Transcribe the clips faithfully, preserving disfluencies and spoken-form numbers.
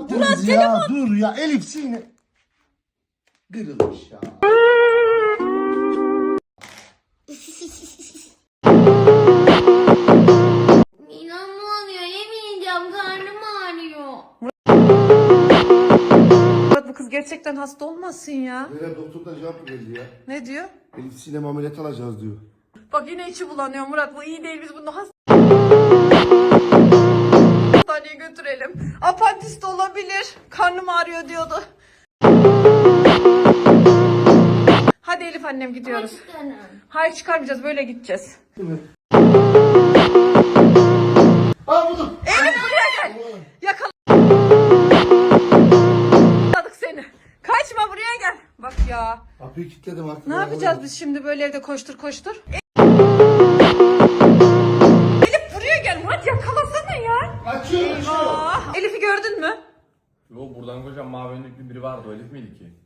ettiniz ya. Telefon. Dur ya Elif sine. Kırılmış ya. İnanmıyorum, yemeyeceğim, karnım ağrıyor. Murat bu kız gerçekten hasta olmasın ya. Böyle doktordan cevap geldi ya. Ne diyor? Elif sinem ameliyat alacağız diyor. Bak yine içi bulanıyor Murat, bu iyi değil, biz bunu hasta... hastaneye götürelim. Apantis de olabilir. Karnım ağrıyor diyordu. Hadi Elif annem gidiyoruz. Hayır çıkarmayacağız, böyle gideceğiz. Değil mi? Aa buldum. Elif buraya gel. Yakaladık seni. Kaçma, buraya gel. Bak ya. Kapıyı kilitledim artık. Ne ya. yapacağız biz şimdi böyle evde koştur koştur? Elif buraya gel Murat, yakalasana ya. Açıyor açıyor. Aa, Elif'i gördün mü? Yo buradan kocaman mavi önlüklü biri vardı, o Elif miydi ki?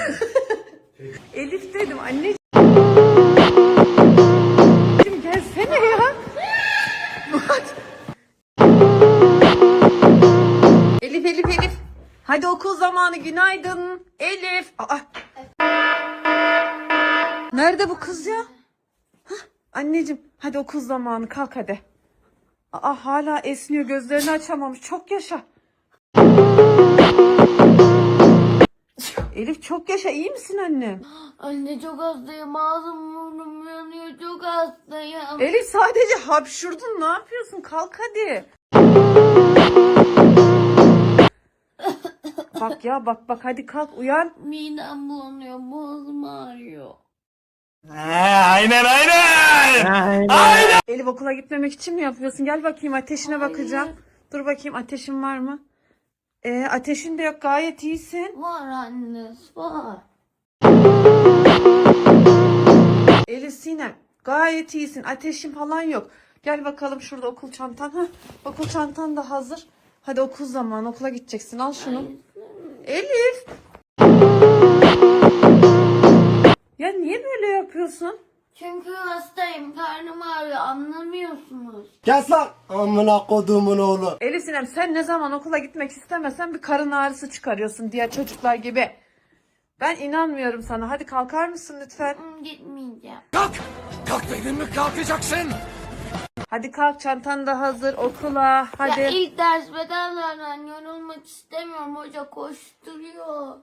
Elif dedim anneciğim. Gelsene ya. Murat. Elif Elif Elif. Hadi okul zamanı, günaydın. Elif. Aa. Nerede bu kız ya? Hah, anneciğim hadi okul zamanı, kalk hadi. Aa, hala esniyor, gözlerini açamamış, çok yaşa. Elif çok yaşa, iyi misin annem? Anne çok hastayım, ağzım burnum yanıyor, çok hastayım. Elif sadece hapşurdun, ne yapıyorsun? Kalk hadi. Bak ya bak bak, hadi kalk uyan. Midem bulanıyor, boğazım ağrıyor. Aynen aynen. Elif okula gitmemek için mi yapıyorsun? Gel bakayım, ateşine bakacağım. Dur bakayım, ateşin var mı? Ee, ateşin de yok, gayet iyisin. Var anne, var. Elif Sinem gayet iyisin, ateşin falan yok. Gel bakalım, şurada okul çantan. Hah, okul çantan da hazır. Hadi okul zamanı, okula gideceksin, al şunu. Elif. Ya niye böyle yapıyorsun? Çünkü hastayım, karnım ağrıyor, anlamıyorsunuz. Kes lan. Amına koduğumun oğlu. Elif Sinem, sen ne zaman okula gitmek istemesen bir karın ağrısı çıkarıyorsun diğer çocuklar gibi. Ben inanmıyorum sana. Hadi kalkar mısın lütfen? Hmm, Gitmeyeceğim. Kalk. Kalk dedin mi kalkacaksın. Hadi kalk, çantan da hazır, okula. Hadi. Ya ilk ders bedenlerden yorulmak istemiyorum, hoca koşturuyor.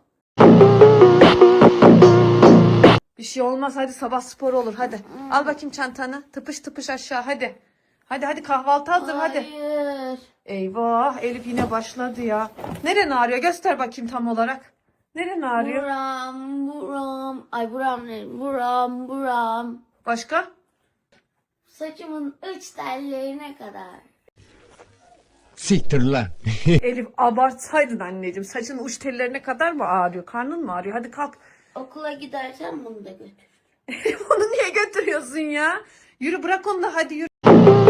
Bir şey olmaz, hadi sabah sporu olur, hadi. Al bakayım çantanı, tıpış tıpış aşağı, hadi. Hadi hadi, kahvaltı hazır, hadi. Hayır. Eyvah, Elif yine başladı ya. Neren ağrıyor, göster bakayım tam olarak. Neren ağrıyor? Buram buram. Ay buram ne? Buram buram. Başka? Saçımın uç tellerine kadar. Siktir lan. Elif abartsaydın anneciğim, saçın uç tellerine kadar mı ağrıyor, karnın mı ağrıyor? Hadi kalk. Okula gidersen bunu da götür. Elif onu niye götürüyorsun ya? Yürü, bırak onu da, hadi yürü.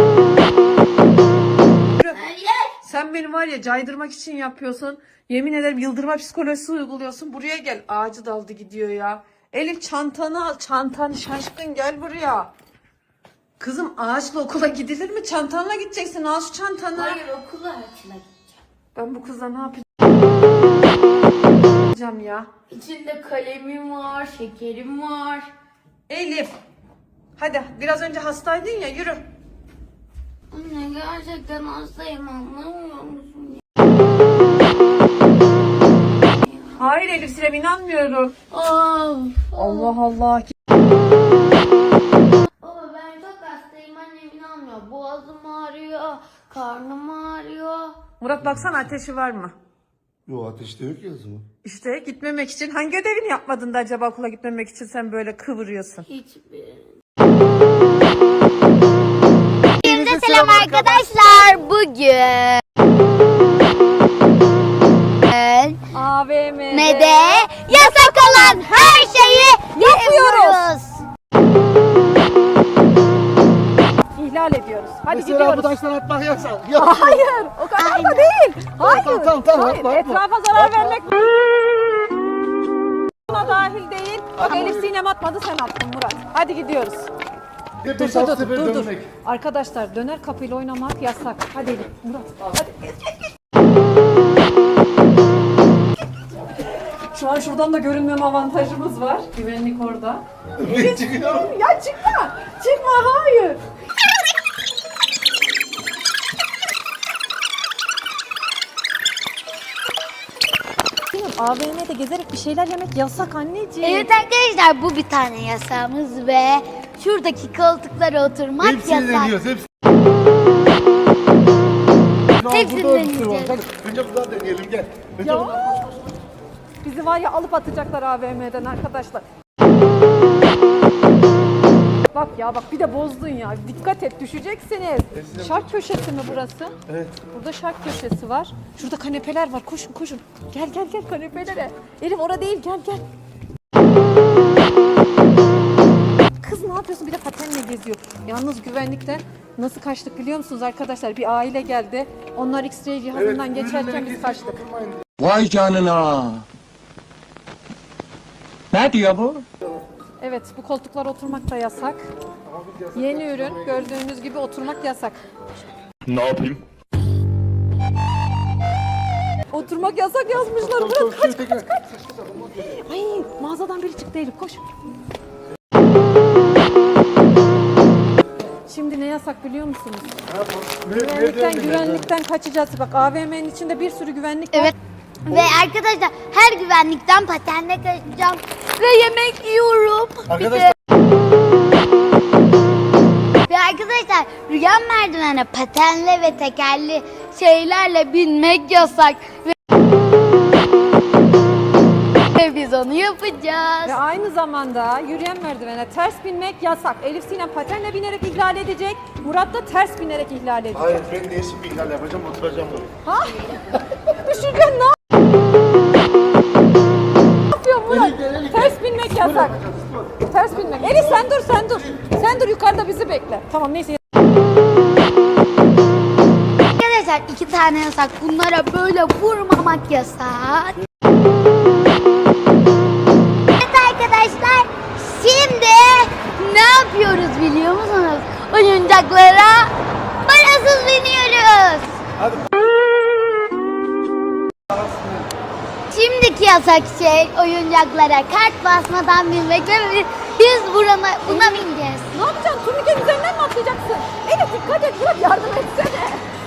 Yürü. Hayır. Sen beni var ya caydırmak için yapıyorsun. Yemin ederim yıldırma psikolojisi uyguluyorsun. Buraya gel. Ağacı daldı gidiyor ya. Elif çantanı al. Çantanı, şaşkın gel buraya. Kızım ağaçla okula gidilir mi? Çantanla gideceksin. Al şu çantanı. Hayır, okula açına gideceğim. Ben bu kızla ne yapacağım ya? İçinde kalemim var, şekerim var. Elif. Hadi, biraz önce hastaydın ya, yürü. Anne gerçekten hastayım, anlamıyor musun? Hayır Elif Sinem, inanmıyorum. Of. Allah Allah. Baba ben çok hastayım, annem inanmıyor. Boğazım ağrıyor, karnım ağrıyor. Murat baksana, ateşi var mı? Yo ateşte yok ya zaman. İşte gitmemek için hangi ödevini yapmadın da acaba okula gitmemek için sen böyle kıvırıyorsun? Hiçbir. Hepinize selam arkadaşlar. Bugün A V M'de ne de yasak olan her şeyi yapıyoruz. ihlal ediyoruz. Hadi Mesela gidiyoruz. bu taştan atmak yasak. Yok. Hayır, o kadar da değil. Hayır. Tamam tamam tamam. Hayır, Atma, atma. etrafa zarar vermek buna dahil değil. Bak Elif Sinem atmadı, sen attın Murat. Hadi gidiyoruz. Hep Dur bir dur alt dur sefer dur dur. dönmek. Arkadaşlar döner kapıyla oynamak yasak. Hadi Elif, Murat. Hadi geç geç geç. Şu an şuradan da görünmem avantajımız var. Güvenlik orada. Ben çıkıyorum. Ya çıkma. Çıkma hayır. A V M'de gezerek bir şeyler yemek yasak anneciğim. Evet arkadaşlar bu bir tane yasağımız ve şuradaki koltuklara oturmak Hepsini yasak. deniyoruz. Hepsini. Hepsini Burada bir sürü var. deneyeceğiz. Gel, Önce buradan deneyelim gel. Önce Ya. buradan koş koş. Bizi var ya alıp atacaklar A V M'den arkadaşlar. Bak ya bak bir de bozdun ya. Dikkat et düşeceksiniz. Şark köşesi mi burası? Evet. Burada şark köşesi var. Şurada kanepeler var. Koşun koşun. Gel gel gel kanepelere. Elif orada değil gel gel. Kız ne yapıyorsun? Bir de patenle geziyor. Yalnız güvenlikten nasıl kaçtık biliyor musunuz arkadaşlar? Bir aile geldi. Onlar X-ray cihazından geçerken biz kaçtık. Vay canına. Ne diyor bu? Evet bu koltuklara oturmak da yasak. Yeni ürün gördüğünüz gibi oturmak yasak. Ne yapayım? Oturmak yasak yazmışlar. Tamam, Bırak tamam, kaç şöyle tekrar. Ay mağazadan biri çıktı Elif koş. Şimdi ne yasak biliyor musunuz? Güvenlikten güvenlikten kaçacağız. Bak A V M'nin içinde bir sürü güvenlik var. Evet. Ve arkadaşlar her güvenlikten patenle kaçacağım ve yemek yiyorum. Arkadaşlar. Ve arkadaşlar rüya merdivene patenle ve tekerli şeylerle binmek yasak. Ve, ve biz onu yapacağız. Ve aynı zamanda yürüyen merdivene ters binmek yasak. Elif Sinem patenle binerek ihlal edecek. Murat da ters binerek ihlal edecek. Hayır ben değişik bir ihlal yapacağım oturacağım buraya. Ha? Düşeceksin ne yapıyorsun Murat? Ters binmek yasak. Ters binmek. Elif sen dur sen dur. Sen dur yukarıda bizi bekle. Tamam neyse. Arkadaşlar iki tane yasak. Bunlara böyle vurmamak yasak. Evet arkadaşlar şimdi ne yapıyoruz biliyor musunuz? Oyuncaklara parasız biniyoruz. Hadi. Şimdiki yasak şey oyuncaklara kart basmadan binmek ve biz, biz burana, buna bineceğiz. Ne yapacaksın? Turnikenin üzerinden mi atlayacaksın? Elif dikkat et Murat yardım etsene.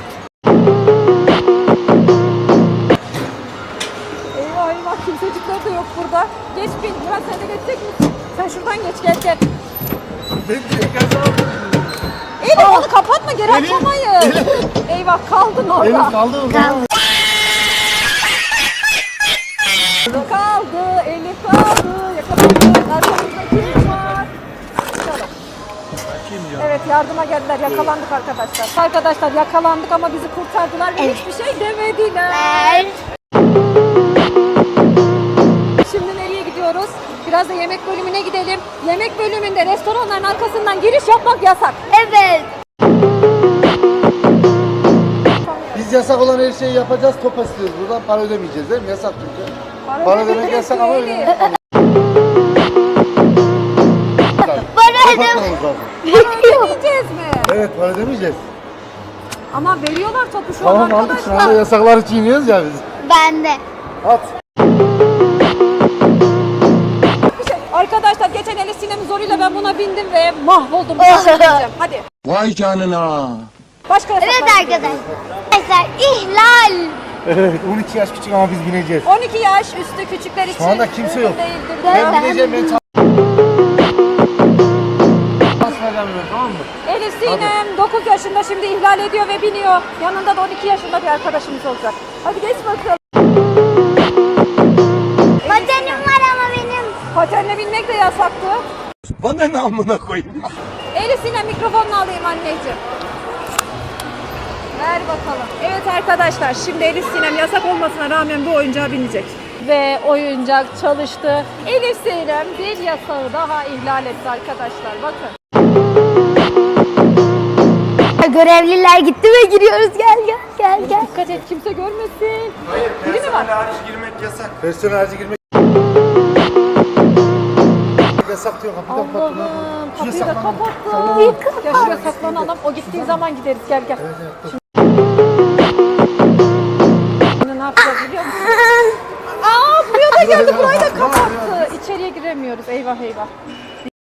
Eyvah eyvah kimsecikler de yok burada. Geç bin. Murat sen de geçecek misin? Sen şuradan geç gel gel. Ben direkt kazandım. Elif onu kapatma geri açamayız. Eyvah kaldın orada. Elif kaldı mı? Kaldı. Kaldı. Elif kaldı. Yakalandı. Arkamızda kim var? Bakalım. Evet yardıma geldiler. Yakalandık arkadaşlar. Arkadaşlar yakalandık ama bizi kurtardılar ve Evet. hiçbir şey demediler. Ver. Şimdi nereye gidiyoruz? Biraz da yemek bölümüne gidelim. Yemek bölümünde restoranların arkasından giriş yapmak yasak. Evet. Biz yasak olan her şeyi yapacağız, top istiyoruz. Buradan para ödemeyeceğiz değil mi? Yasak çünkü. Para demek yasak ama değil. öyle. Para ödem. Kapatmamız lazım. Ödemeyeceğiz mi? Evet para ödemeyeceğiz. Ama veriyorlar topu şu an Tamam aldık şu anda arkadaşlar. yasakları çiğniyoruz ya biz. Ben de. At. Bir şey- Arkadaşlar geçen Elif Sinem'in zoruyla ben buna bindim ve mahvoldum. Mahvolacağım. Hadi. Vay canına. Başka yasaklar. Evet arkadaşlar. Arkadaşlar ihlal. Evet on iki yaş küçük ama biz bineceğiz. on iki yaş üstü küçükler için Şu anda kimse uygun yok. değildir. Ben- Ben bineceğim ben çal- Basmayacağım ben tamam mı? Elif Sinem dokuz yaşında şimdi ihlal ediyor ve biniyor. Yanında da on iki yaşında bir arkadaşımız olacak. Hadi geç bakalım. Patenim var ama benim. Patenle binmek de yasaktı. Bana ne amına koyayım? Elif Sinem mikrofonunu alayım anneciğim. Ver bakalım. Evet arkadaşlar şimdi Elif Sinem yasak olmasına rağmen bu oyuncağa binecek. Ve oyuncak çalıştı. Elif Sinem bir yasağı daha ihlal etti arkadaşlar. Bakın. Görevliler gitti ve giriyoruz. Gel gel gel gel. Dikkat et kimse görmesin. Biri mi var? girmek yasak. Personel harici girmek yasak diyor kapıyı kapat. Allah'ım kapıyı da saklan. kapattı. Ya şuraya saklanalım. O gittiği zaman gideriz. Gel gel. Şimdi ne yapacağız biliyor musun? Aa buraya da geldi. Buraya eyvah.